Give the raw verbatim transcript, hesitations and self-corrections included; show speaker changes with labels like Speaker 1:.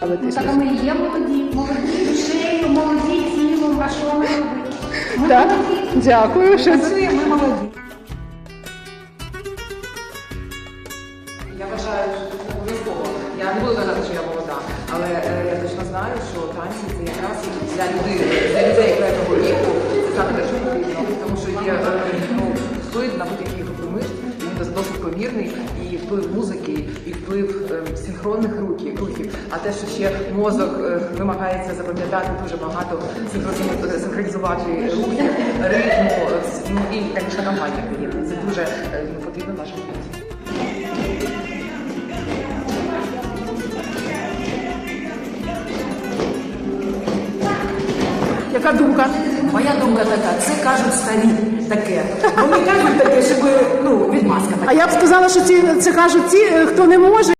Speaker 1: Ну, так а ми є молоді, молоді душею, молоді тілом, а що ми робимо? Ми
Speaker 2: Так,
Speaker 1: молоді.
Speaker 2: дякую. Що це?
Speaker 1: Працюємо, ми молоді.
Speaker 3: Я вважаю, що це обов'язково. Я не буду казати, що я молода, але е, я точно знаю, що танці це якраз для людей, для людей певного віку, це саме те, що потрібно. Тому що є е, ну, вплив на будь-який групи мишць, він досить помірний, і вплив музики, і вплив е, синхронних рухів, рухів. А те, що ще мозок е, вимагається запам'ятати дуже багато, синхрони- синхронізувати рухи, ритму, е, ну і як шанування, це дуже е, ну, потрібно нашим дітям.
Speaker 4: Яка думка? Моя думка така, це кажуть старі таке. Вони кажуть таке, щоб ну, відмазка така.
Speaker 2: А я б сказала, що ці, це кажуть ті, хто не може.